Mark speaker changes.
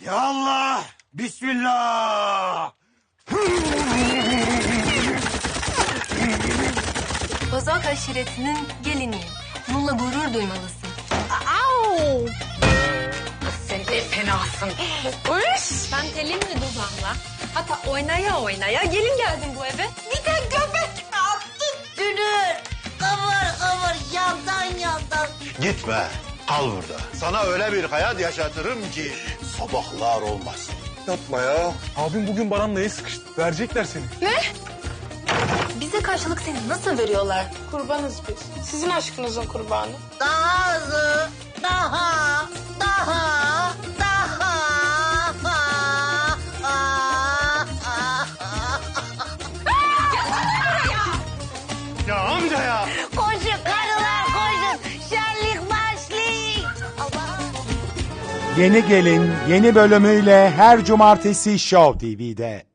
Speaker 1: Ya Allah! Bismillah!
Speaker 2: Bozok aşiretinin geliniyim. Bununla gurur duymalısın.
Speaker 3: Au! Sen de fenasın. Uş!
Speaker 2: Ben telimle dudağımla, hatta oynaya oynaya gelin geldim bu eve.
Speaker 3: Bir de göbek attın.
Speaker 4: Dünür, kıvır yandan.
Speaker 1: Gitme, kal burada. Sana öyle bir hayat yaşatırım ki sabahlar olmaz.
Speaker 5: Yapma ya. Abim bugün Baran'la el sıkıştı. Verecekler seni.
Speaker 2: Bize karşılık seni nasıl veriyorlar?
Speaker 3: Kurbanız biz. Sizin aşkınızın kurbanı.
Speaker 4: Daha hızlı, daha.
Speaker 1: Ya amca ya!
Speaker 4: Koşun karılar koşun, şenlik başlıyor.
Speaker 6: Yeni Gelin yeni bölümüyle her cumartesi Show TV'de.